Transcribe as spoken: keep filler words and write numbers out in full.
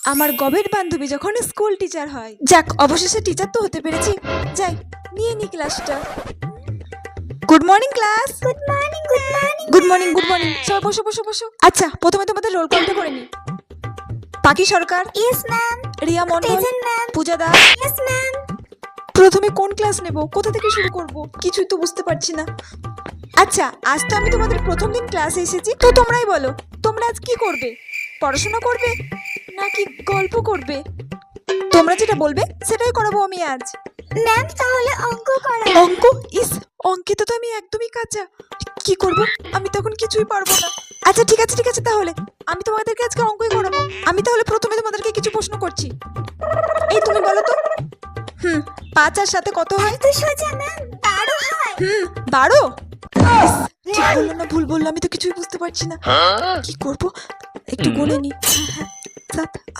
আমার গবের বান্ধবী যখন স্কুল টিচার হয়। যাক, অবশেষে টিচার তো হতে পেরেছি। যাই, নিয়ে নি ক্লাসটা। Good morning class. Good morning good morning good morning good morning সবাই বসো বসো বসো। আচ্ছা, প্রথমে তোমাদের রোল কলটা করে নি। Pakhi Sarkar, yes ma'am. Riya Mondal, present ma'am. Puja Das. Yes ma'am. প্রথমে কোন ক্লাস নেব, কোথা থেকে শুরু করব, কিছুই তো বুঝতে পারছি না। আচ্ছা, আজ তো আমি তোমাদের প্রথম দিন ক্লাসে এসেছি, তো তোমরাই বলো তোমরা আজ কি করবে? পড়াশোনা করবে নাকি গল্প করবে? তোমরা যেটা বলবে সেটাই করাবো আমি আজ। ম্যাম তাহলে অঙ্ক করা। অঙ্ক? ইস, অঙ্কিত তো আমি একদমই কাঁচা। কি করব? আমি তখন কিছুই পারবো না। আচ্ছা ঠিক আছে ঠিক আছে, তাহলে আমি তোমাদেরকে আজকে অঙ্কই করাবো। আমি তাহলে প্রথমে তোমাদেরকে কিছু প্রশ্ন করছি। এই তুমি বলো তো, হুম পাঁচ আর সাথে কত হয়? তো সোজা ম্যাম, বারো হয়। হুম বারো। ইস, ঠিক বললো না ভুল বললো, আমি তো কিছুই বুঝতে পারছি না। কি করব, একটু গুনে নি। হ্যাঁ, সাত